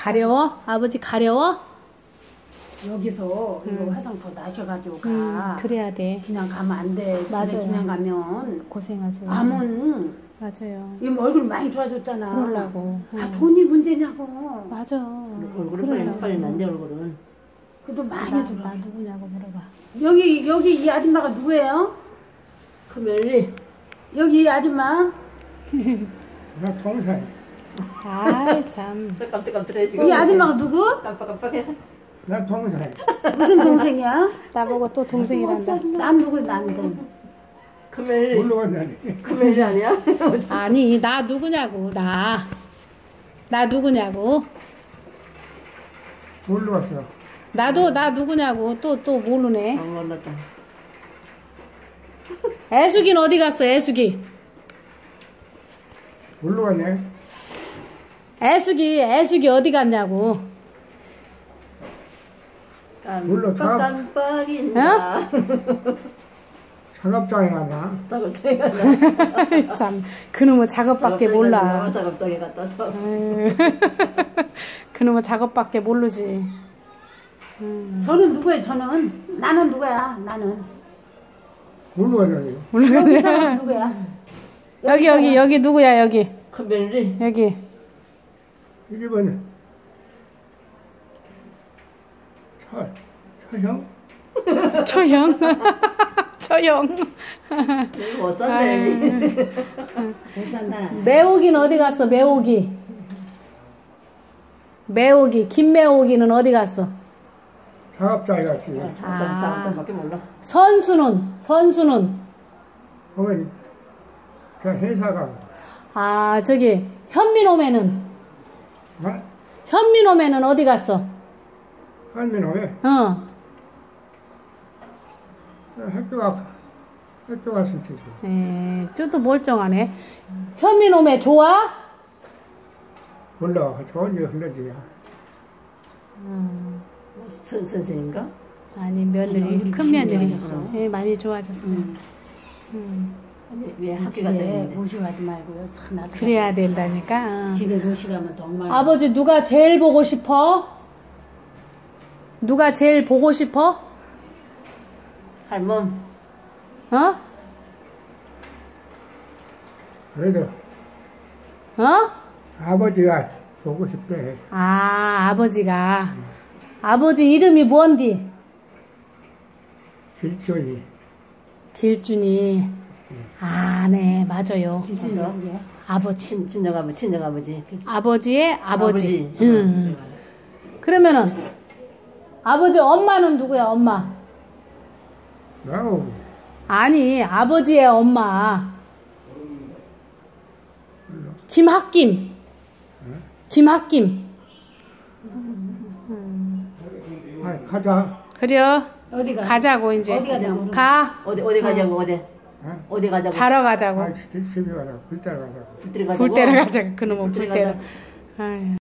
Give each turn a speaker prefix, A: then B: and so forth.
A: 가려워? 아버지 가려워?
B: 여기서 이거 화상 더 나셔가지고 가.
A: 그래야 돼.
B: 그냥 가면 안 돼. 집에
A: 맞아요.
B: 그냥 가면
A: 고생하지.
B: 암은
A: 맞아요.
B: 이 얼굴 많이 좋아졌잖아.
A: 그러려고.
B: 다 돈이 문제냐고.
A: 맞아.
C: 얼굴은 빨리 난데 얼굴은.
B: 그래도 많이
A: 나
B: 들어.
A: 누구냐고 물어봐.
B: 여기 이 아줌마가 누구예요?
C: 큰별이.
B: 여기 이 아줌마.
D: 나 동생.
A: 아이 참.
C: 깜짝깜짝해 지금.
B: 이 아줌마가 누구?
C: 깜빡깜빡해.
D: 나 동생.
B: 무슨 동생이야?
A: 나보고 또 동생이란다.
B: 난 누구 난데.
C: 큰별이.
D: 뭘로 갔냐니.
C: 큰별이 아니야?
A: 아니 나 누구냐고 나 누구냐고.
D: 뭘로 갔어?
A: 나도 나 누구냐고 또 모르네.
C: 안 몰랐다.
A: 애숙이는 어디 갔어 애숙이?
D: 뭘로 갔냐?
A: 애숙이 어디 갔냐고.
D: 몰라,
C: 깜빡깜빡인다.
D: 작업장에 갔나?
C: 작업장에 갔다.
A: 참 그놈의 작업밖에 몰라.
C: 작업장에 갔다 또.
A: 그놈의 작업밖에 모르지.
B: 저는 누구예요? 저는 나는 누구야? 나는
D: 뭘로 갔냐니?
B: 여기 사람 누구야?
A: 여기 누구야 여기
C: 큰별이.
A: 여기.
D: 이게 뭐냐? 처형?
A: 처형. 처형.
C: 못 산대.
B: 못 산다.
A: 매옥이는 어디 갔어 매옥이? 김매옥이는 어디 갔어?
D: 작업장에 갔지.
C: 작업장밖에 몰라.
A: 선수는
D: 그러면 그냥 회사가.
A: 아 저기 현민호매는
D: 어?
A: 현민호매는 어디 갔어?
D: 한민호에 학교 갔을 테지.
A: 저도 멀쩡하네. 현민호매 좋아?
D: 몰라. 좋은 게 흘러지야.
C: 선생인가?
A: 아니 며느리 큰 며느리. 예, 많이 좋아졌어.
C: 왜 학교 갔다
B: 집에
C: 했는데.
B: 모시고 가지 말고요. 하나
A: 그래야 된다니까.
B: 집에 모시고 가면 정말.
A: 아버지 누가 제일 보고 싶어? 누가 제일 보고 싶어?
C: 할멈.
A: 어?
D: 그래도
A: 어?
D: 아버지가 보고 싶대.
A: 아 아버지가. 아버지 이름이 뭔디?
D: 길준이.
A: 길준이. 아, 네, 맞아요.
B: 진짜 누구야?
A: 아버지.
C: 친정아버지.
A: 아버지의 아버지. 응.
C: 그래.
A: 그러면은 아버지 엄마는 누구야? 엄마.
D: 나오.
A: 아니, 아버지의 엄마. 김학김.
D: 아, 가자.
A: 그래요.
B: 어디 가?
A: 가자고 이제.
B: 어디 가자고?
A: 가.
C: 어디 가자고 어디?
D: 어?
C: 어디 가자고?
A: 자러 가자고.
D: 아, 집에 가자. 불 때려 가자.
C: 불 때려 가자고.
A: 불 때려 가자고. 그놈은 불
C: 불 때려
A: 때려.
C: 가자고.
A: 아유.